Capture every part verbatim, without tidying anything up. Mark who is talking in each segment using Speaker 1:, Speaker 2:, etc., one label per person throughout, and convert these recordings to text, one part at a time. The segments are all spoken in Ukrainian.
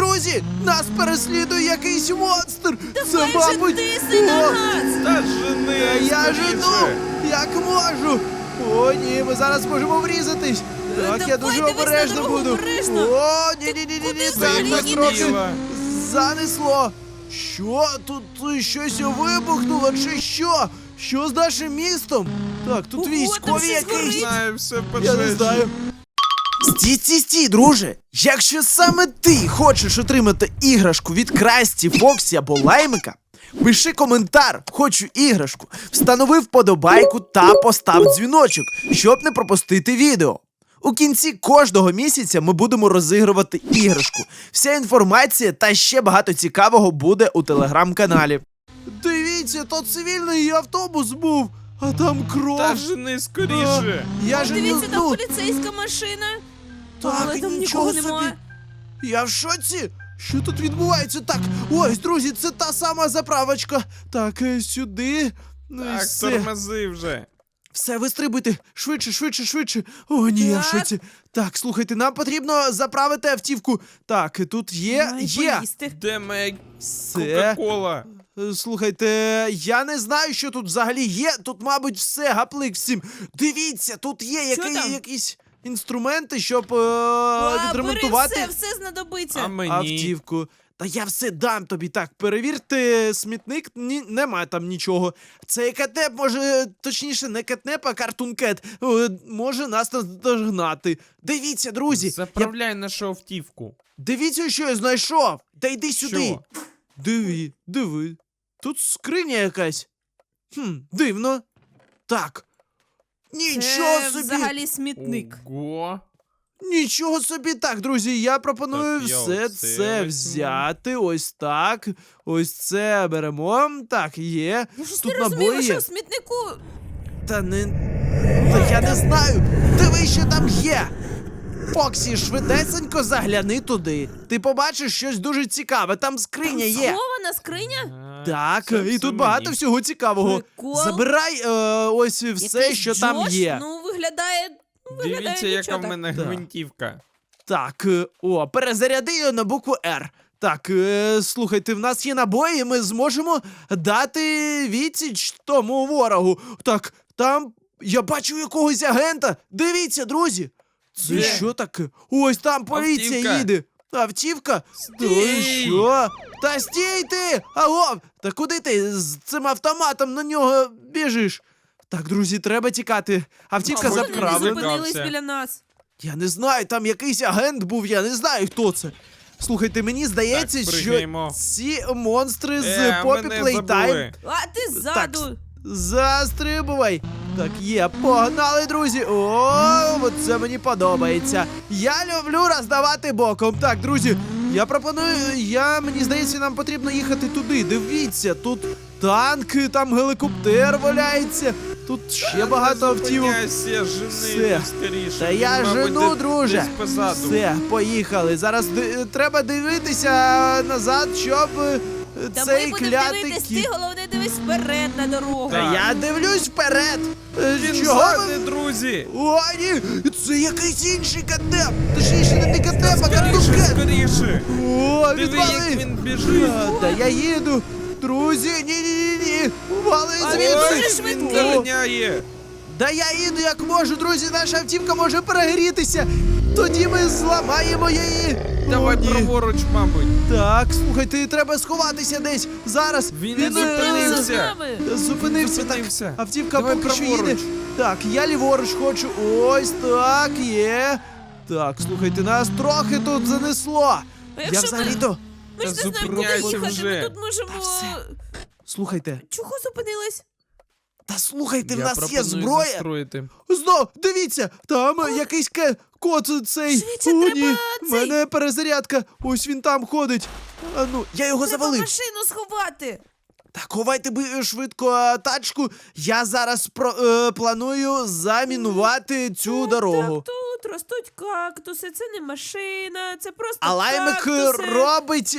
Speaker 1: друзі, нас переслідує якийсь монстр. Це,
Speaker 2: Давай же
Speaker 1: мабуть,
Speaker 2: тисни на
Speaker 1: О,
Speaker 2: газ!
Speaker 3: Та жени,
Speaker 1: а я
Speaker 3: скоріше.
Speaker 1: жену, як можу. О, ні, ми зараз можемо врізатись. Так, я
Speaker 2: давай,
Speaker 1: дуже
Speaker 2: дивись на
Speaker 1: обережно
Speaker 2: дорогу,
Speaker 1: буду.
Speaker 2: обережно.
Speaker 1: О, ні-ні-ні,
Speaker 2: куди
Speaker 1: ні,
Speaker 2: взагалі
Speaker 1: так,
Speaker 2: їдеш?
Speaker 1: трохи
Speaker 3: Біла.
Speaker 1: занесло. Що? Тут е, щось вибухнуло чи що? Що з нашим містом? Так, тут
Speaker 2: Ого, там
Speaker 1: військові
Speaker 2: щось
Speaker 1: якісь.
Speaker 2: горить.
Speaker 3: Знаю, все
Speaker 1: Я
Speaker 3: пожежі.
Speaker 1: не знаю. Стій, стій, стій, друже! Якщо саме ти хочеш отримати іграшку від Красті, Фоксі або Лаймика, пиши коментар «Хочу іграшку», встанови вподобайку та постав дзвіночок, щоб не пропустити відео. У кінці кожного місяця ми будемо розігрувати іграшку. Вся інформація та ще багато цікавого буде у телеграм-каналі. Дивіться, то цивільний автобус був, а там кров.
Speaker 3: Та жени скоріше.
Speaker 1: Я
Speaker 2: О,
Speaker 1: ж
Speaker 2: дивіться, там
Speaker 1: ну,
Speaker 2: поліцейська машина.
Speaker 1: Так,
Speaker 2: Але там
Speaker 1: нічого
Speaker 2: нікого
Speaker 1: собі.
Speaker 2: немає.
Speaker 1: Я в шоці? Що тут відбувається? Так, ось, друзі, це та сама заправочка. Так, е, сюди. Ну і
Speaker 3: Так,
Speaker 1: все.
Speaker 3: тормози вже.
Speaker 1: Все, вистрибуйте. Швидше, швидше, швидше. О, ні, я в
Speaker 2: Так.
Speaker 1: шоці. Так, слухайте, нам потрібно заправити автівку. Так, тут є,
Speaker 2: Має
Speaker 1: є.
Speaker 2: поїсти.
Speaker 3: Де моя
Speaker 1: Все.
Speaker 3: Кока-Кола?
Speaker 1: Е, Слухайте, я не знаю, що тут взагалі є. Тут, мабуть, все, гаплик всім. Дивіться, тут є
Speaker 2: Що
Speaker 1: який,
Speaker 2: там?
Speaker 1: якісь інструменти, щоб е,
Speaker 2: А,
Speaker 1: відремонтувати.
Speaker 2: бери все, все знадобиться.
Speaker 3: А мені?
Speaker 1: Автівку. Та я все дам тобі. Так, перевірте смітник, ні, нема там нічого. Цей кетнеп може, точніше, не кетнеп, а картункет, е, може нас наздогнати. Дивіться, друзі, я...
Speaker 3: Заправляй нашу автівку.
Speaker 1: дивіться, що я знайшов. Та йди сюди.
Speaker 3: Що?
Speaker 1: Диви, диви. Тут скриня якась. Хм, дивно. Так. Нічого
Speaker 2: Це
Speaker 1: собі.
Speaker 2: взагалі смітник.
Speaker 3: Ого.
Speaker 1: Нічого собі. Так, друзі, я пропоную
Speaker 3: Так, я
Speaker 1: все
Speaker 3: оце
Speaker 1: це
Speaker 3: візьму.
Speaker 1: взяти. Ось так. Ось це беремо. Так, є.
Speaker 2: Я щось
Speaker 1: Тут
Speaker 2: не розумію,
Speaker 1: набої
Speaker 2: ви що
Speaker 1: є.
Speaker 2: в смітнику?
Speaker 1: Та не. Та я не знаю. Диви, що там є. Фоксі, швидесенько загляни туди. Ти побачиш щось дуже цікаве. Там скриня є.
Speaker 2: Схована скриня?
Speaker 3: А,
Speaker 1: Так,
Speaker 3: це
Speaker 1: і
Speaker 3: все
Speaker 1: тут багато
Speaker 3: мені.
Speaker 1: всього цікавого.
Speaker 2: Прикол.
Speaker 1: Забирай е, ось все,
Speaker 2: Якийсь
Speaker 1: що там
Speaker 2: Джош?
Speaker 1: є.
Speaker 2: Ну, виглядає... виглядає
Speaker 3: Дивіться, яка
Speaker 2: нічого
Speaker 3: в
Speaker 2: так.
Speaker 3: мене
Speaker 1: Так.
Speaker 3: гвинтівка.
Speaker 1: Так, е, о, перезаряди її на букву Р. Так, е, слухайте, в нас є набої, ми зможемо дати відсіч тому ворогу. Так, там я бачу якогось агента. Дивіться, друзі. Це
Speaker 3: Де?
Speaker 1: що таке? Ось там поліція
Speaker 3: Автівка.
Speaker 1: їде. Автівка? То
Speaker 3: Стій!
Speaker 1: що? Та стій ти! Аго! Та куди ти з цим автоматом на нього біжиш? Так, друзі, треба тікати. Автівка
Speaker 3: Мабуть,
Speaker 2: Вони не
Speaker 1: заправлена.
Speaker 2: зупинились
Speaker 3: Злякався.
Speaker 2: біля нас.
Speaker 1: Я не знаю, там якийсь агент був, я не знаю, хто це. Слухайте, мені здається,
Speaker 3: Так,
Speaker 1: що
Speaker 3: пригаємо.
Speaker 1: ці монстри з
Speaker 3: Е,
Speaker 1: Poppy
Speaker 3: мене
Speaker 1: Playtime
Speaker 3: забули.
Speaker 2: А ти ззаду.
Speaker 1: застрибувай. Так, є, погнали, друзі. О, от це мені подобається. Я люблю роздавати боком. Так, друзі, я пропоную, я, мені здається, нам потрібно їхати туди. Дивіться, тут танки, там гелікоптер валяється. Тут ще багато автівок.
Speaker 3: Зупиняйся,
Speaker 1: Все.
Speaker 3: жени скоріше.
Speaker 1: Та я
Speaker 3: Він, мабуть,
Speaker 1: жену,
Speaker 3: де-
Speaker 1: друже.
Speaker 3: десь позаду.
Speaker 1: Все, поїхали. Зараз ди- треба дивитися назад, щоб е,
Speaker 2: Та
Speaker 1: цей
Speaker 2: ми будемо
Speaker 1: клятий
Speaker 2: дивитись,
Speaker 1: кіт.
Speaker 2: ти головне дивись вперед на дорогу.
Speaker 1: Та я дивлюсь вперед. Е,
Speaker 3: Він
Speaker 1: Чого
Speaker 3: ззади,
Speaker 1: ви?
Speaker 3: друзі.
Speaker 1: О, ні! Це якийсь інший катеп! Точніше, не не катеп, а
Speaker 3: Скоріше,
Speaker 1: картункет!
Speaker 3: скоріше.
Speaker 1: О,
Speaker 3: Диви,
Speaker 1: відвали!
Speaker 3: як він біжить.
Speaker 1: А, Та я їду! Друзі, ні-ні-ні! Вали
Speaker 2: А
Speaker 1: звідси!
Speaker 2: він дуже
Speaker 3: Він
Speaker 2: швидкий.
Speaker 3: доганяє.
Speaker 1: Да я їду як можу, друзі, наша автівка може перегрітися! Тоді ми зламаємо її!
Speaker 3: Давай
Speaker 1: О, ні.
Speaker 3: праворуч, мабуть.
Speaker 1: Так, слухайте, треба сховатися десь. Зараз
Speaker 3: Він не
Speaker 1: е,
Speaker 3: зупинився.
Speaker 2: За нами.
Speaker 1: Зупинився,
Speaker 3: Зупинився.
Speaker 1: так. Автівка
Speaker 3: Давай
Speaker 1: поки що
Speaker 3: праворуч.
Speaker 1: їде. Так, я ліворуч хочу. Ось так, є. Так, слухайте, нас трохи тут занесло.
Speaker 2: А
Speaker 1: Я
Speaker 2: якщо ми-
Speaker 1: взагалі-то.
Speaker 2: Ми ж
Speaker 3: Та
Speaker 2: не знаємо, куди
Speaker 3: зупиняйся
Speaker 2: їхати.
Speaker 3: вже.
Speaker 2: Ми тут можемо...
Speaker 1: Та все. Слухайте,
Speaker 2: Чого зупинились?
Speaker 1: та слухайте, в
Speaker 3: Я
Speaker 1: нас є
Speaker 3: пропоную
Speaker 1: зброя.
Speaker 3: застроїти.
Speaker 1: Знов, дивіться, там е, якийсь ке... кот цей.
Speaker 2: Швидше,
Speaker 1: О,
Speaker 2: треба
Speaker 1: ні, в
Speaker 2: цей.
Speaker 1: мене перезарядка. Ось він там ходить. А ну, я його
Speaker 2: Треба
Speaker 1: завалив.
Speaker 2: машину сховати.
Speaker 1: Так, ховайте би швидко е, тачку. Я зараз про, е, планую замінувати цю дорогу.
Speaker 2: Так, тут ростуть кактуси, це не машина, це просто
Speaker 1: А лаймик
Speaker 2: кактуси.
Speaker 1: робить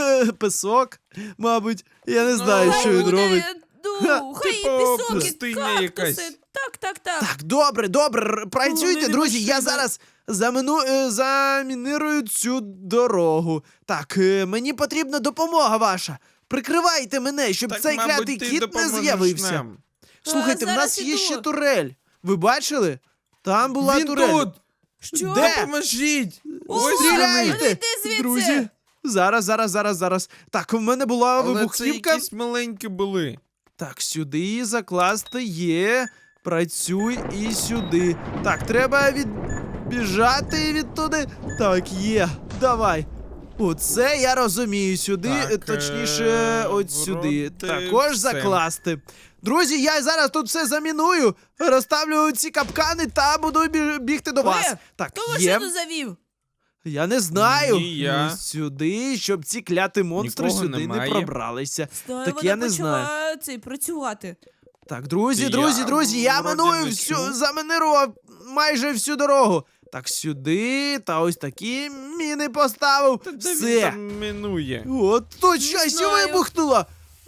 Speaker 1: пісок, мабуть. Я не знаю,
Speaker 2: Хай
Speaker 1: що він
Speaker 2: буде,
Speaker 1: робить.
Speaker 2: Ну, хай і
Speaker 3: типу,
Speaker 2: пісок, і
Speaker 3: пустиня
Speaker 2: кактуси.
Speaker 3: якась.
Speaker 2: Так, так, так.
Speaker 1: Так, добре, добре, р- працюйте,
Speaker 2: Головне,
Speaker 1: друзі. Я
Speaker 2: машина.
Speaker 1: зараз замину, е, замінирую цю дорогу. Так, е, мені потрібна допомога ваша. Прикривайте мене, щоб
Speaker 3: Так,
Speaker 1: цей
Speaker 3: мабуть,
Speaker 1: клятий
Speaker 3: ти
Speaker 1: кіт не
Speaker 3: допоможеш
Speaker 1: з'явився.
Speaker 3: нам.
Speaker 1: Слухайте, в
Speaker 2: зараз
Speaker 1: нас є
Speaker 2: іду.
Speaker 1: ще турель. Ви бачили? Там була
Speaker 3: Він
Speaker 1: турель.
Speaker 3: тут!
Speaker 2: Що?
Speaker 1: Де?
Speaker 3: Допоможіть!
Speaker 2: О,
Speaker 3: Ось
Speaker 1: Стріляйте!
Speaker 3: вони.
Speaker 2: йди звідси!
Speaker 1: Друзі, зараз, зараз, зараз, зараз. Так, в мене була
Speaker 3: Але це
Speaker 1: вибухівка.
Speaker 3: якісь маленькі були.
Speaker 1: Так, сюди закласти є. Працюй і сюди. Так, треба відбіжати відтуди. Так, є. Давай. Оце я розумію. Сюди,
Speaker 3: Так,
Speaker 1: е, точніше,
Speaker 3: е,
Speaker 1: от сюди.
Speaker 3: вроде
Speaker 1: Також
Speaker 3: все.
Speaker 1: закласти. Друзі, я зараз тут все заміную, розставлю ці капкани та буду бі- бігти до вас.
Speaker 2: Е,
Speaker 1: Так,
Speaker 2: Хто
Speaker 1: є.
Speaker 2: машину завів?
Speaker 1: Я не знаю.
Speaker 3: Ні, я.
Speaker 1: Ось сюди, щоб ці кляті монстри
Speaker 3: Нікого
Speaker 1: сюди не
Speaker 3: немає.
Speaker 1: пробралися.
Speaker 2: Знаю,
Speaker 1: Так
Speaker 2: вона
Speaker 1: я не
Speaker 2: почала
Speaker 1: знаю.
Speaker 2: цей працювати.
Speaker 1: Так, друзі,
Speaker 3: Я
Speaker 1: друзі, друзі, я
Speaker 3: вроді
Speaker 1: миную
Speaker 3: не
Speaker 1: всю,
Speaker 3: чув.
Speaker 1: заминирував майже всю дорогу. Так, сюди, та ось такі міни поставив.
Speaker 3: Та де він
Speaker 1: Все.
Speaker 3: там минує?
Speaker 1: От тут щось
Speaker 2: знаю.
Speaker 1: вибухнуло.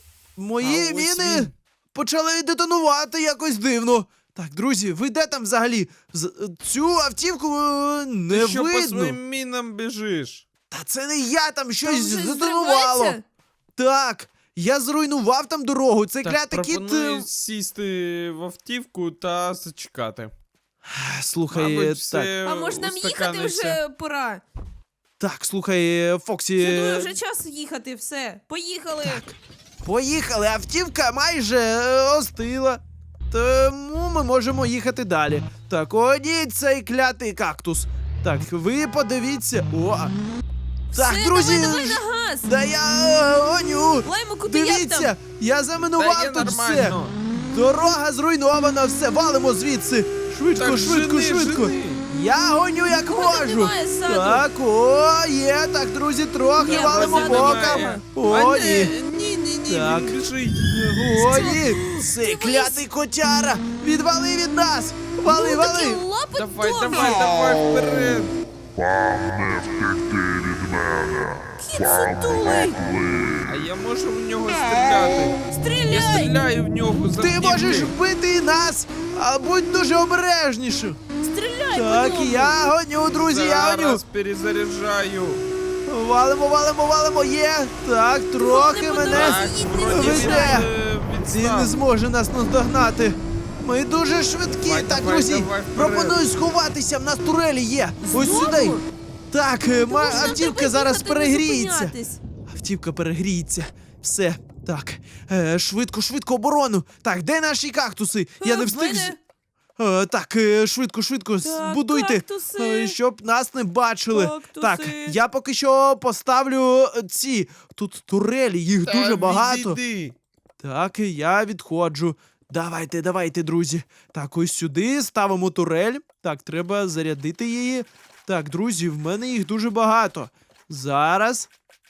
Speaker 1: Мої
Speaker 3: А ось
Speaker 1: міни
Speaker 3: він.
Speaker 1: почали детонувати якось дивно. Так, друзі, ви де там взагалі? З- Цю автівку е, не
Speaker 3: Ти що по
Speaker 1: видно.
Speaker 3: своїм мінам біжиш?
Speaker 1: Та це не я, там
Speaker 2: Там
Speaker 1: щось
Speaker 2: щось
Speaker 1: здетонувало.
Speaker 2: зривається?
Speaker 1: Так, я зруйнував там дорогу. Цей
Speaker 3: Так,
Speaker 1: клятий кіт.
Speaker 3: пропоную
Speaker 1: е,
Speaker 3: сісти в автівку та зачекати.
Speaker 1: Слухай,
Speaker 3: Мабуть,
Speaker 1: так.
Speaker 3: все
Speaker 2: А може нам їхати
Speaker 3: устаканиться.
Speaker 2: вже пора?
Speaker 1: Так, слухай, Фоксі.
Speaker 2: Я думаю, вже час їхати, все. Поїхали.
Speaker 1: Поїхали, автівка майже е, остила. Тому ми можемо їхати далі. Так, о, ні, цей клятий кактус. Так, ви подивіться. О! Так,
Speaker 2: все,
Speaker 1: друзі,
Speaker 2: давай, давай на газ.
Speaker 1: да я е, гоню.
Speaker 2: Лаймику, ти як
Speaker 1: Дивіться,
Speaker 2: там?
Speaker 1: я
Speaker 3: Та
Speaker 1: заминував
Speaker 3: є
Speaker 1: тут все.
Speaker 3: нормально.
Speaker 1: Дорога зруйнована, все, валимо звідси. Швидко,
Speaker 3: Так,
Speaker 1: швидко,
Speaker 3: жени,
Speaker 1: швидко.
Speaker 3: жени.
Speaker 1: Я гоню як
Speaker 2: Кого там
Speaker 1: можу.
Speaker 2: немає ззаду?
Speaker 1: Так, о, є, так, друзі, трохи
Speaker 2: Є,
Speaker 1: валимо
Speaker 2: позаду
Speaker 1: боком.
Speaker 2: немає.
Speaker 1: О,
Speaker 3: А,
Speaker 1: ні.
Speaker 3: Ні, ні, ні,
Speaker 1: Так.
Speaker 3: він біжить.
Speaker 1: О, ні, цей
Speaker 2: Ти
Speaker 1: клятий котяра. Відвали від нас. Вали,
Speaker 2: Ну,
Speaker 1: вали.
Speaker 2: такі лапи
Speaker 3: Давай,
Speaker 2: довгі.
Speaker 3: давай, давай, вперед.
Speaker 2: Кіт сутулий.
Speaker 3: А я можу в нього стріляти. Я
Speaker 2: Стріляй.
Speaker 3: стріляю в нього за
Speaker 1: Ти можеш вбити і нас, а будь дуже обережнішим.
Speaker 2: Стріляй
Speaker 1: Так,
Speaker 2: по ньому.
Speaker 1: я гоню, друзі, я гоню.
Speaker 3: Зараз перезаряджаю.
Speaker 1: Валимо, валимо, валимо, є. Так, трохи
Speaker 2: не
Speaker 1: мене.
Speaker 3: Так,
Speaker 2: Їдь,
Speaker 3: вроді
Speaker 1: не
Speaker 3: він
Speaker 1: веде.
Speaker 3: е,
Speaker 1: Він не
Speaker 3: відстав.
Speaker 1: зможе нас наздогнати. Ми дуже швидкі.
Speaker 3: Давай,
Speaker 1: так,
Speaker 3: давай,
Speaker 1: друзі,
Speaker 3: давай, вперед.
Speaker 1: пропоную сховатися. В нас турелі є. Ось
Speaker 2: Знову?
Speaker 1: сюди. Так, е, ма-
Speaker 2: Тому що нам
Speaker 1: автівка
Speaker 2: треба
Speaker 1: зараз
Speaker 2: їхати, не
Speaker 1: перегріється.
Speaker 2: зупинятись.
Speaker 1: Автівка перегріється. Все. Так. Е, швидко, швидко оборону. Так, де наші кактуси? Я
Speaker 2: Е,
Speaker 1: не
Speaker 2: в
Speaker 1: встиг. з-
Speaker 2: мене-
Speaker 1: Е, так, е, швидко, швидко,
Speaker 2: Так,
Speaker 1: збудуйте,
Speaker 2: кактуси.
Speaker 1: е, щоб нас не бачили.
Speaker 2: Кактуси.
Speaker 1: Так, я поки що поставлю е, ці. Тут турелі, їх
Speaker 3: Та
Speaker 1: дуже багато.
Speaker 3: відійди.
Speaker 1: Так, і я відходжу. Давайте, давайте, друзі. Так, ось сюди ставимо турель. Так, треба зарядити її. Так, друзі, в мене їх дуже багато. Зараз.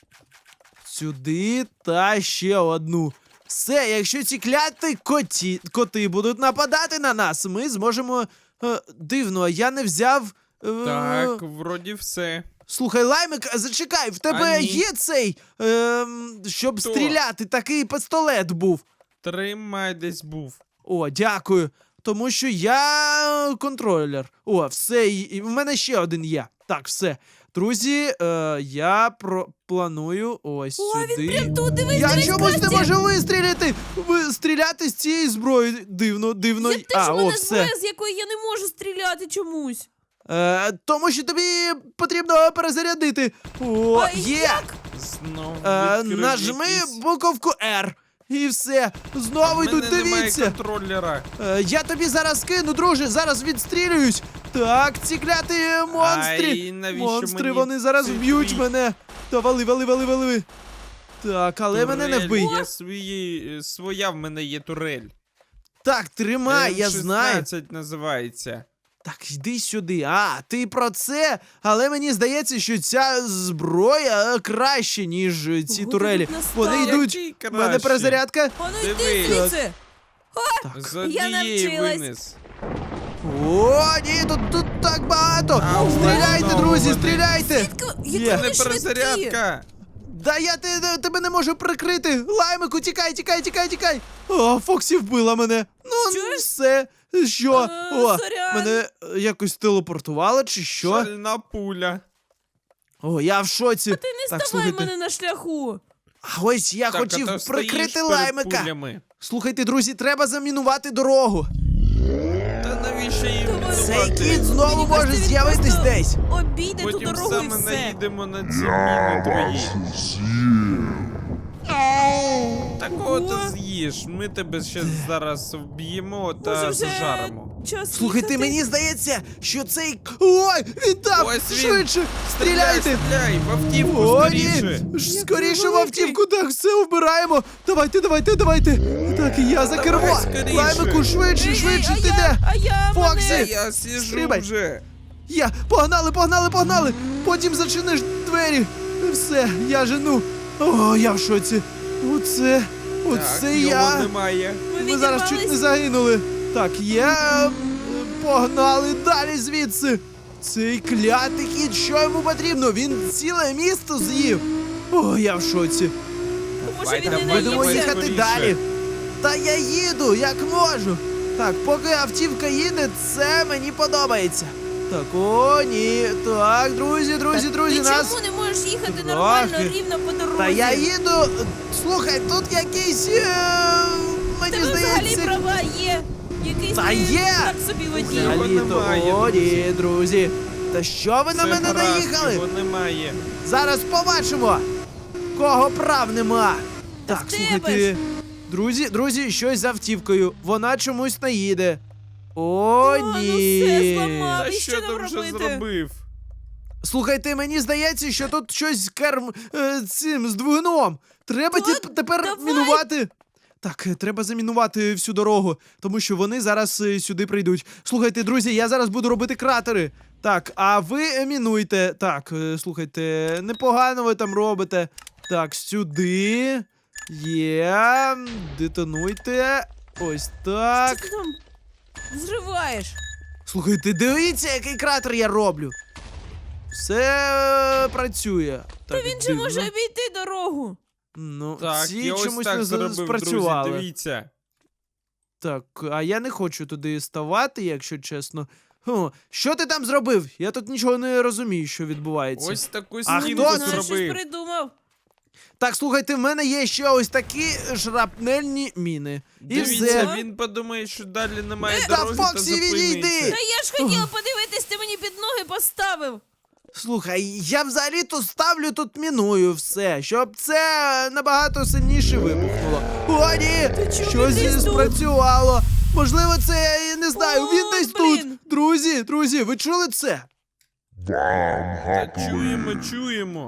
Speaker 1: Сюди та ще одну. Все, якщо ці кляті коті, коти будуть нападати на нас, ми зможемо. Е, дивно, я не взяв. Е,
Speaker 3: Так, вроді все.
Speaker 1: Слухай, Лаймик, зачекай, в тебе
Speaker 3: А, ні.
Speaker 1: є цей, ем, щоб
Speaker 3: Хто?
Speaker 1: стріляти, такий пістолет був.
Speaker 3: Тримай десь був.
Speaker 1: О, дякую. Тому що я контролер. О, все, і і в мене ще один є. Так, все. Друзі, е, я про планую ось
Speaker 2: О,
Speaker 1: сюди.
Speaker 2: він прям тут, дивись,
Speaker 1: Я
Speaker 2: дивись,
Speaker 1: чомусь не
Speaker 2: Красті.
Speaker 1: можу вистріляти! Ви стріляти з цієї зброї. Дивно, дивно.
Speaker 2: Я теж
Speaker 1: а,
Speaker 2: в
Speaker 1: о,
Speaker 2: мене
Speaker 1: все.
Speaker 2: зброя, з якої я не можу стріляти чомусь.
Speaker 1: Е, тому що тобі потрібно перезарядити. О,
Speaker 2: А
Speaker 1: є!
Speaker 2: як?
Speaker 3: Знову
Speaker 1: Е,
Speaker 3: відкрив
Speaker 1: нажми
Speaker 3: якийсь-
Speaker 1: буковку R. І все.
Speaker 3: А
Speaker 1: Знову
Speaker 3: в
Speaker 1: йдуть,
Speaker 3: мене немає
Speaker 1: дивіться.
Speaker 3: контролера.
Speaker 1: Е, я тобі зараз кину, друже, зараз відстрілююсь. Так, ці кляті монстри.
Speaker 3: Ай, навіщо
Speaker 1: монстри,
Speaker 3: мені
Speaker 1: вони зараз
Speaker 3: цей
Speaker 1: вб'ють
Speaker 3: твій
Speaker 1: мене. Та вали, вали, вали, вали. Так, але мене не
Speaker 3: турель?
Speaker 1: вбий.
Speaker 3: Я свої, своя в мене є турель.
Speaker 1: Так, тримай, я
Speaker 3: М
Speaker 1: знаю.
Speaker 3: шістнадцять називається.
Speaker 1: Так, йди сюди. А, ти про це? Але мені здається, що ця зброя е, краще, ніж е, ці
Speaker 2: Ого,
Speaker 1: турелі.
Speaker 2: тут настав.
Speaker 1: Вони йдуть.
Speaker 3: Який
Speaker 1: У мене
Speaker 3: краще?
Speaker 1: перезарядка.
Speaker 2: А ну йди
Speaker 3: Дивись.
Speaker 2: звідси.
Speaker 3: З
Speaker 2: Я
Speaker 3: однієї
Speaker 2: навчилась.
Speaker 3: винес.
Speaker 1: О, ні, тут, тут так багато.
Speaker 3: А,
Speaker 1: Стріляйте,
Speaker 3: знову
Speaker 1: друзі,
Speaker 3: вони.
Speaker 1: стріляйте.
Speaker 2: Звідки?
Speaker 1: Є.
Speaker 2: Які
Speaker 3: Не
Speaker 2: вони швидкі.
Speaker 3: перезарядка.
Speaker 1: Да я те- тебе не можу прикрити. Лаймику, тікай, тікай, тікай, тікай. О, Фоксі вбила мене. Ну,
Speaker 2: Що?
Speaker 1: все. Що?
Speaker 2: Е,
Speaker 1: О,
Speaker 2: сорян.
Speaker 1: мене е, якось телепортувало чи що?
Speaker 3: Шальна пуля.
Speaker 1: О, я в шоці.
Speaker 2: Ти не
Speaker 1: Так,
Speaker 2: ставай
Speaker 1: слухайте.
Speaker 2: мене на шляху.
Speaker 1: А ось я
Speaker 3: Так,
Speaker 1: хотів
Speaker 3: а то стоїш
Speaker 1: прикрити
Speaker 3: перед
Speaker 1: лаймика.
Speaker 3: пулями.
Speaker 1: Слухайте, друзі, треба замінувати дорогу.
Speaker 3: Та навіщо їм
Speaker 2: Давай.
Speaker 1: Цей
Speaker 3: мінувати?
Speaker 1: кіт знову
Speaker 2: Мені
Speaker 1: може
Speaker 2: кажеться, він
Speaker 1: з'явитись
Speaker 2: просто
Speaker 1: десь.
Speaker 2: Обійде ту
Speaker 3: Потім
Speaker 2: дорогу і
Speaker 3: саме
Speaker 2: все.
Speaker 3: наїдемо на ці
Speaker 4: Я
Speaker 3: міни твої.
Speaker 4: вас з'їм.
Speaker 3: Такого ти
Speaker 2: Ого.
Speaker 3: з'їш. Ми тебе ще зараз вб'ємо
Speaker 2: Може,
Speaker 3: та
Speaker 2: вже
Speaker 3: зажаримо.
Speaker 2: час
Speaker 1: Слухайте,
Speaker 2: їхати?
Speaker 1: мені здається, що цей. Ой, він там!
Speaker 3: Ось він.
Speaker 1: Швидше! Стріляйте!
Speaker 3: Стріляй, в автівку
Speaker 1: О,
Speaker 3: скоріше.
Speaker 1: ні! Ж
Speaker 2: Який
Speaker 1: Скоріше в
Speaker 2: великий.
Speaker 1: автівку, так, все вбираємо! Давайте, давайте, давайте! Так, я за
Speaker 3: Давай,
Speaker 1: кермо!
Speaker 3: скоріше.
Speaker 1: Лаймику, швидше,
Speaker 2: Ей,
Speaker 1: швидше,
Speaker 2: ей,
Speaker 1: ти
Speaker 2: а
Speaker 1: де?
Speaker 2: я, а я
Speaker 1: Фоксі!
Speaker 2: мене...
Speaker 3: Я сіжу
Speaker 1: Стрибай.
Speaker 3: вже.
Speaker 1: Я! Погнали, погнали, погнали! Потім зачиниш двері! Все, я жену! О, я в шоці! Оце, оце
Speaker 3: Так,
Speaker 1: я!
Speaker 3: його немає.
Speaker 2: Ми
Speaker 1: Ми зараз чуть не
Speaker 2: відірвались.
Speaker 1: загинули. Так, я. е, Погнали далі звідси. Цей клятий кіт, що йому потрібно? Він ціле місто з'їв. О, я в шоці.
Speaker 2: Може, він
Speaker 3: Давай,
Speaker 2: не
Speaker 1: Будемо
Speaker 3: давай,
Speaker 2: наївся.
Speaker 1: їхати
Speaker 3: скоріше.
Speaker 1: далі. Та я їду, як можу. Так, поки автівка їде, це мені подобається. Так, о, ні. Так, друзі, друзі, друзі,
Speaker 2: Ти
Speaker 1: нас.
Speaker 2: чому не можеш їхати нормально,
Speaker 1: Трохи.
Speaker 2: рівно по дорозі?
Speaker 1: Та я їду. Слухай, тут якийсь. е, Мені
Speaker 2: Тебе взагалі
Speaker 1: здається.
Speaker 2: права є. Якийсь
Speaker 1: Та
Speaker 2: ти
Speaker 1: є.
Speaker 2: так собі водій.
Speaker 3: Його
Speaker 1: Взагалі-то,
Speaker 3: немає,
Speaker 1: о,
Speaker 3: друзі.
Speaker 1: ні, друзі. Та що ви на
Speaker 3: Це
Speaker 1: мене
Speaker 3: гаразд,
Speaker 1: наїхали?
Speaker 3: Його немає.
Speaker 1: Зараз побачимо, кого прав нема.
Speaker 2: Та
Speaker 1: Так,
Speaker 2: в тебе
Speaker 1: слухайте.
Speaker 2: ж.
Speaker 1: Друзі, друзі, щось з автівкою. Вона чомусь не їде. О,
Speaker 2: О, ну все,
Speaker 1: ні.
Speaker 2: зламав.
Speaker 3: Та
Speaker 2: і
Speaker 3: що
Speaker 2: що
Speaker 3: там
Speaker 2: нам
Speaker 3: вже
Speaker 2: робити?
Speaker 3: зробив?
Speaker 1: Слухайте, мені здається, що тут щось з керм е, цим з двигуном. Треба
Speaker 2: Та
Speaker 1: тіп- тепер
Speaker 2: давай.
Speaker 1: мінувати. Так, е, треба замінувати всю дорогу, тому що вони зараз е, сюди прийдуть. Слухайте, друзі, я зараз буду робити кратери. Так, а ви е, мінуйте. Так, е, слухайте, непогано ви там робите. Так, сюди. Є. Детонуйте. Ось так.
Speaker 2: Що ти там зриваєш?
Speaker 1: Слухайте, дивіться, який кратер я роблю. Все е, працює.
Speaker 2: Та
Speaker 1: Так,
Speaker 2: він же
Speaker 1: дивно.
Speaker 2: може обійти дорогу.
Speaker 1: Ну,
Speaker 3: Так,
Speaker 1: ці
Speaker 3: я ось
Speaker 1: чомусь
Speaker 3: так
Speaker 1: не
Speaker 3: зробив,
Speaker 1: спрацювали.
Speaker 3: друзі, дивіться.
Speaker 1: Так, а я не хочу туди ставати, якщо чесно. Хм, що ти там зробив? Я тут нічого не розумію, що відбувається.
Speaker 3: Ось таку
Speaker 1: А
Speaker 3: стінку
Speaker 1: хто це?
Speaker 2: Знаю, щось
Speaker 3: зробив.
Speaker 2: придумав.
Speaker 1: Так, слухайте, в мене є ще ось такі шрапнельні міни. І
Speaker 3: Дивіться,
Speaker 1: все.
Speaker 3: він подумає, що далі немає
Speaker 1: Та,
Speaker 3: дороги, та
Speaker 1: Фоксі, відійди!
Speaker 3: зупиниться.
Speaker 2: Та я ж хотіла подивитись, ти мені під ноги поставив.
Speaker 1: Слухай, я взагалі-то ставлю тут міную все, щоб це набагато сильніше вибухнуло. О, ні!
Speaker 2: чому
Speaker 1: Щось
Speaker 2: він десь тут?
Speaker 1: спрацювало. Можливо, це, я не знаю,
Speaker 2: О,
Speaker 1: він десь
Speaker 2: блін.
Speaker 1: тут. Друзі, друзі, ви чули це?
Speaker 4: Вам
Speaker 3: Та
Speaker 4: гаплик.
Speaker 3: чуємо, чуємо.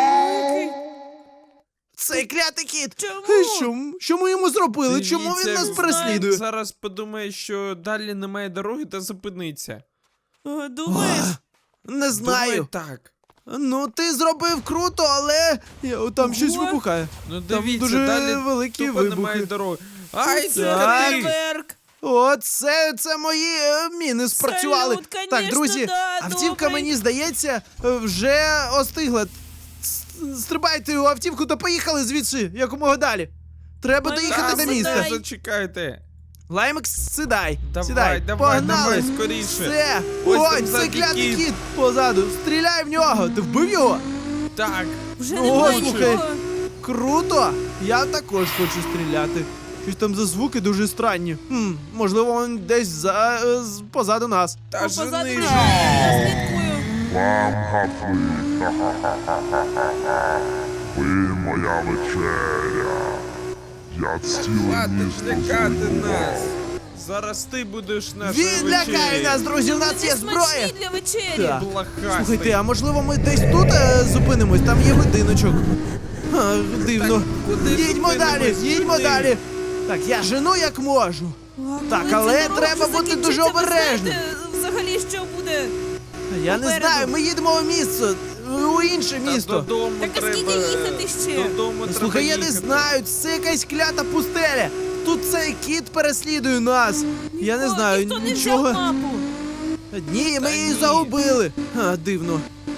Speaker 1: Цей клятий кіт!
Speaker 2: Чому?
Speaker 1: Е, Що, м- що ми йому зробили? Чому він
Speaker 3: Дивіться,
Speaker 1: нас
Speaker 3: він
Speaker 1: переслідує?
Speaker 3: Зараз подумає, що далі немає дороги та зупиниться.
Speaker 2: О, Думаєш?
Speaker 1: Не знаю.
Speaker 3: Думаю, так.
Speaker 1: Ну, ти зробив круто, але я- там щось
Speaker 2: Ого.
Speaker 1: вибухає.
Speaker 3: Ну
Speaker 1: Там
Speaker 3: дивіться,
Speaker 1: дуже
Speaker 3: далі
Speaker 1: великі
Speaker 3: тупо
Speaker 1: вибухи.
Speaker 3: немає дороги. Ай,
Speaker 2: Це
Speaker 1: Так.
Speaker 3: ти!
Speaker 2: фейерверк.
Speaker 1: О, це, це мої е, міни спрацювали.
Speaker 2: Салют,
Speaker 1: Так,
Speaker 2: конечно,
Speaker 1: друзі,
Speaker 2: да,
Speaker 1: автівка,
Speaker 2: добрий.
Speaker 1: мені здається, е, вже остигла. С- Стрибайте у автівку та поїхали звідси, якомога далі. Треба
Speaker 2: Лаймик,
Speaker 1: доїхати
Speaker 2: та,
Speaker 1: до міста.
Speaker 2: сідай.
Speaker 3: Зачекайте.
Speaker 1: Лаймик, сідай.
Speaker 3: Давай,
Speaker 1: сідай.
Speaker 3: давай,
Speaker 1: Погнали.
Speaker 3: давай, скоріше.
Speaker 1: Все.
Speaker 3: Ось
Speaker 1: Ой,
Speaker 3: там
Speaker 1: це
Speaker 3: ззаді
Speaker 1: клятий
Speaker 3: кіт.
Speaker 1: кіт позаду. Стріляй в нього. Ти вбив його?
Speaker 3: Так.
Speaker 2: Вже
Speaker 1: О,
Speaker 2: немає
Speaker 1: слухай.
Speaker 2: нічого.
Speaker 1: Круто! Я також хочу стріляти. Щось там за звуки дуже странні. Хм, можливо, він десь за, е, з- позаду нас.
Speaker 3: Та
Speaker 2: О, позаду
Speaker 3: жени
Speaker 2: мене,
Speaker 3: ж.
Speaker 2: я слідкую.
Speaker 4: Вам гаплик. Ха-ха-ха-ха-ха. Ви моя вечеря. Я ціле
Speaker 3: Хватить
Speaker 4: місто
Speaker 3: лякати
Speaker 4: зруйнував.
Speaker 3: нас. Зараз ти будеш нашою
Speaker 1: Він лякає нас, друзі, у нас
Speaker 2: Вони
Speaker 1: є зброя.
Speaker 2: смачні для вечері.
Speaker 1: Так.
Speaker 3: Блахастий.
Speaker 1: Слухайте, а можливо ми десь тут е, зупинимось, там є будиночок. А, дивно.
Speaker 3: куди
Speaker 1: Їдьмо
Speaker 3: зупинимось?
Speaker 1: далі, їдьмо
Speaker 3: Куди?
Speaker 1: далі. Так, я жену як можу.
Speaker 2: А
Speaker 1: Так,
Speaker 2: коли
Speaker 1: але
Speaker 2: ця дорога
Speaker 1: треба
Speaker 2: вже
Speaker 1: бути дуже
Speaker 2: закінчиться, ви
Speaker 1: обережним.
Speaker 2: знаєте, взагалі, що буде?
Speaker 1: Я не
Speaker 2: Попереду.
Speaker 1: знаю, ми їдемо в місто, у інше
Speaker 3: Та
Speaker 1: місто.
Speaker 3: додому
Speaker 2: Так а
Speaker 3: треба...
Speaker 2: скільки їхати ще?
Speaker 3: Додому треба
Speaker 1: Слухай, я не
Speaker 3: їхати.
Speaker 1: знаю, це якась клята пустеля. Тут цей кіт переслідує нас. Я не
Speaker 2: О,
Speaker 1: знаю,
Speaker 2: ніхто не
Speaker 1: нічого.
Speaker 2: взяв мапу.
Speaker 1: Ні, ми
Speaker 3: Та
Speaker 1: її
Speaker 3: ні.
Speaker 1: загубили. А, дивно.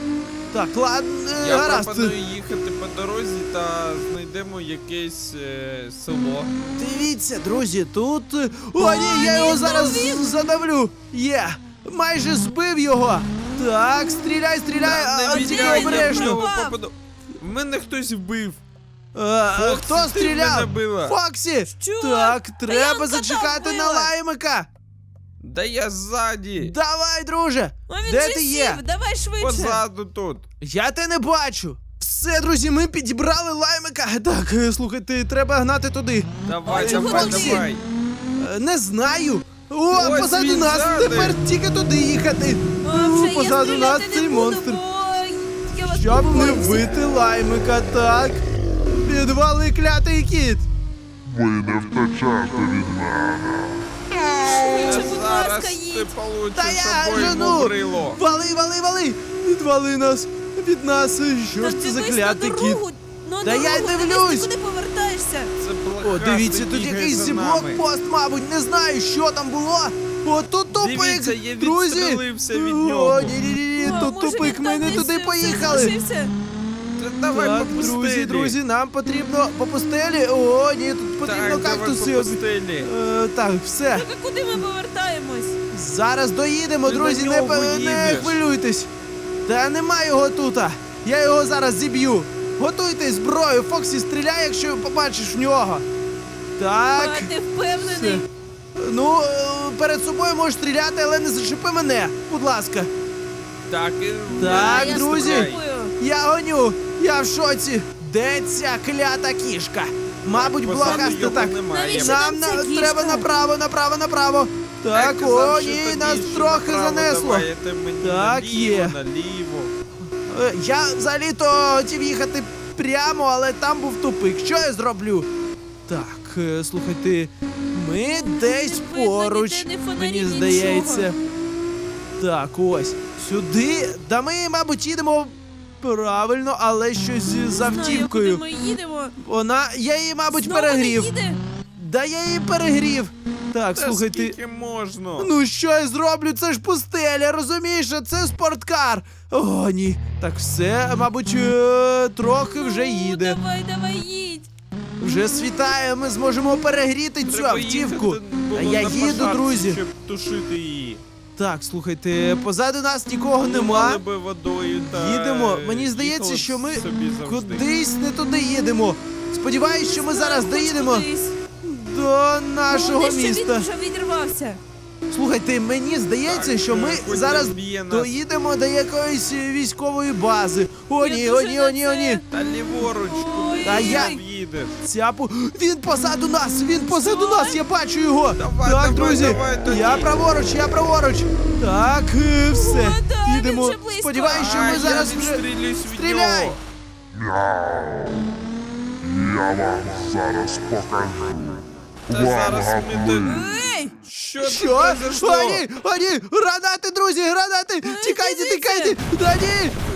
Speaker 1: Так, ладно, е,
Speaker 3: Я
Speaker 1: гаразд.
Speaker 3: пропоную їхати по дорозі та знайдемо якесь е, село.
Speaker 1: Дивіться, друзі, тут. е, О, ні, я його зараз задавлю. Є. Майже збив його. Так, стріляй, стріляй,
Speaker 3: Та
Speaker 1: а
Speaker 3: не
Speaker 1: тільки
Speaker 3: віддай, я в
Speaker 1: обережно.
Speaker 3: нього
Speaker 2: Попав.
Speaker 3: попаду. В мене хтось вбив.
Speaker 1: Е,
Speaker 3: Фоксі,
Speaker 1: Хто
Speaker 3: ти мене
Speaker 1: стріляв?
Speaker 3: била.
Speaker 1: Фоксі!
Speaker 2: Що?
Speaker 1: Так,
Speaker 2: я
Speaker 1: треба
Speaker 2: кота
Speaker 1: зачекати на
Speaker 2: вбила.
Speaker 1: лаймика.
Speaker 3: Да я ззаді.
Speaker 1: Давай, друже.
Speaker 2: А він
Speaker 1: Де
Speaker 2: же
Speaker 1: ти
Speaker 2: сів,
Speaker 1: є?
Speaker 2: давай швидше.
Speaker 3: Позаду тут.
Speaker 1: Я те не бачу. Все, друзі, ми підібрали лаймика. Так, е, слухайте, треба гнати туди.
Speaker 3: Давай,
Speaker 1: Ой,
Speaker 3: давай,
Speaker 1: Фоксі.
Speaker 3: давай.
Speaker 1: Е, Не знаю. О,
Speaker 3: Ось
Speaker 1: позаду
Speaker 3: він
Speaker 1: нас.
Speaker 3: ззади.
Speaker 1: Тепер тільки туди їхати.
Speaker 2: А,
Speaker 1: О,
Speaker 2: вже я
Speaker 1: позаду нас
Speaker 2: стріляти
Speaker 1: цей
Speaker 2: не буду,
Speaker 1: монстр.
Speaker 2: бо я вас
Speaker 1: Щоб не
Speaker 2: побоюся.
Speaker 1: вбити лаймика, так. Підвали клятий кіт.
Speaker 4: Ви не втечете від мене.
Speaker 2: Швидше, будь
Speaker 3: Зараз
Speaker 2: ласка,
Speaker 3: ти
Speaker 2: їдь.
Speaker 3: получиш
Speaker 1: Та я
Speaker 3: собою
Speaker 1: жену.
Speaker 3: моврило.
Speaker 1: Вали, вали, вали. Відвали нас. Від нас. Що
Speaker 2: Та
Speaker 1: ж це за
Speaker 2: дивись
Speaker 1: клятий
Speaker 2: на
Speaker 1: кіт?
Speaker 2: дорогу, на
Speaker 1: Та я й
Speaker 2: дорогу, дивись,
Speaker 1: дивлюсь.
Speaker 2: ти куди повертаєшся?
Speaker 3: Це
Speaker 1: О,
Speaker 3: блохастий
Speaker 1: дивіться, тут
Speaker 3: бігає
Speaker 1: якийсь
Speaker 3: за нами.
Speaker 1: блокпост, мабуть, не знаю, що там було. О, тут тупик,
Speaker 3: Дивіться, я
Speaker 1: друзі.
Speaker 3: відстрелився від
Speaker 1: О,
Speaker 3: нього.
Speaker 1: ні, ні, ні,
Speaker 2: А,
Speaker 1: тут
Speaker 2: може,
Speaker 1: тупик,
Speaker 2: він
Speaker 1: ми
Speaker 2: там
Speaker 1: не
Speaker 2: десь
Speaker 1: туди
Speaker 2: все
Speaker 1: поїхали.
Speaker 2: залишився?
Speaker 3: Та давай
Speaker 1: Так,
Speaker 3: по
Speaker 1: друзі,
Speaker 3: пустелі.
Speaker 1: друзі, нам потрібно по пустелі. О, ні, тут потрібно
Speaker 3: Так, давай
Speaker 1: кактуси.
Speaker 3: по пустелі.
Speaker 1: Е, так, все.
Speaker 2: Так, а куди ми повертаємось?
Speaker 1: Зараз доїдемо,
Speaker 3: Ти
Speaker 1: друзі,
Speaker 3: на
Speaker 1: не,
Speaker 3: нього
Speaker 1: пе- не
Speaker 3: їдеш.
Speaker 1: хвилюйтесь. Та нема його тут. Я його зараз зіб'ю. Готуйте зброю, Фоксі, стріляй, якщо побачиш в нього. Так.
Speaker 2: А, ти впевнений?
Speaker 1: все. Ну, е, перед собою можеш стріляти, але не зачепи мене, будь ласка.
Speaker 3: Так, і
Speaker 1: Так,
Speaker 2: А, я
Speaker 1: друзі.
Speaker 2: спробую.
Speaker 1: Я гоню, я в шоці. Де ця клята кішка? Мабуть,
Speaker 3: позаду
Speaker 1: блокаста
Speaker 3: його
Speaker 1: так.
Speaker 3: немає.
Speaker 2: Навіщо
Speaker 1: Нам
Speaker 2: нам ця
Speaker 1: на,
Speaker 2: кішка?
Speaker 1: треба направо, направо, направо. Так,
Speaker 3: Я казав,
Speaker 1: о,
Speaker 3: що
Speaker 1: ні,
Speaker 3: тобі,
Speaker 1: нас
Speaker 3: що
Speaker 1: трохи
Speaker 3: направо
Speaker 1: занесло.
Speaker 3: давайте мені
Speaker 1: Так,
Speaker 3: наліво,
Speaker 1: є.
Speaker 3: наліво.
Speaker 1: Е, Я взагалі-то хотів їхати прямо, але там був тупик. Що я зроблю? Так, е, слухайте, ми десь
Speaker 2: Не видно
Speaker 1: поруч,
Speaker 2: ніде, ні фонарів,
Speaker 1: мені
Speaker 2: нічого.
Speaker 1: здається. Так, ось. Сюди. Да ми, мабуть, їдемо правильно, але щось з
Speaker 2: Знаю,
Speaker 1: автівкою.
Speaker 2: куди ми їдемо.
Speaker 1: Вона. Я її, мабуть,
Speaker 2: Знову не
Speaker 1: перегрів.
Speaker 2: їде?
Speaker 1: Да я її перегрів. Так,
Speaker 3: Та
Speaker 1: слухайте.
Speaker 3: скільки можна?
Speaker 1: Ну що я зроблю? Це ж пустеля, розумієш, що це спорткар. О, ні. Так все, мабуть, е, трохи вже
Speaker 2: Ну,
Speaker 1: їде.
Speaker 2: Давай, давай, їдь.
Speaker 1: Вже світає, ми зможемо перегріти цю
Speaker 3: Треба
Speaker 1: автівку.
Speaker 3: їхати було
Speaker 1: А я
Speaker 3: на
Speaker 1: їду,
Speaker 3: пожарці,
Speaker 1: друзі.
Speaker 3: щоб тушити її.
Speaker 1: Так, слухайте, позаду нас нікого нема.
Speaker 3: Поливали би водою та
Speaker 1: Їдемо. Мені здається,
Speaker 3: їхали
Speaker 1: що ми
Speaker 3: собі завжди.
Speaker 1: кудись не туди їдемо. Сподіваюсь, що ми зараз
Speaker 2: Хоч
Speaker 1: доїдемо
Speaker 2: кудись.
Speaker 1: до нашого
Speaker 2: Головне, що
Speaker 1: міста.
Speaker 2: Він вже відірвався.
Speaker 1: Слухайте, мені здається,
Speaker 3: Так,
Speaker 1: що ми
Speaker 3: е, хоч
Speaker 1: зараз
Speaker 3: не вб'є нас.
Speaker 1: доїдемо до якоїсь е, військової бази. О,
Speaker 2: Я
Speaker 1: ні, о,
Speaker 2: дуже
Speaker 1: ні,
Speaker 2: на
Speaker 1: о, ні, о, ні.
Speaker 2: це.
Speaker 3: Та ліворуч, куди
Speaker 1: Та
Speaker 3: ти
Speaker 1: я-
Speaker 3: їдеш?
Speaker 1: Цяпу. Він позаду нас! Він позаду
Speaker 2: Що?
Speaker 1: нас! Я бачу його!
Speaker 3: Давай,
Speaker 1: так,
Speaker 3: давай,
Speaker 1: друзі!
Speaker 3: давай тоді.
Speaker 1: Я праворуч, я праворуч! Так, е, все.
Speaker 2: О, да, він
Speaker 1: Їдемо.
Speaker 2: вже близько.
Speaker 1: Сподіваюсь, що
Speaker 3: А,
Speaker 1: ми
Speaker 3: я
Speaker 1: зараз вже.
Speaker 3: відстрілююсь від
Speaker 1: Стріляй!
Speaker 3: нього.
Speaker 4: Мяу. Я вам зараз покажу.
Speaker 3: Та
Speaker 4: Вам
Speaker 3: зараз ми
Speaker 4: гаплик.
Speaker 3: до...
Speaker 2: Ей!
Speaker 3: Що тут
Speaker 1: Що?
Speaker 3: произошло?
Speaker 1: О, ні, о, ні! Гранати, друзі, гранати! Тікайте,
Speaker 2: звідси.
Speaker 1: тікайте! Да ні!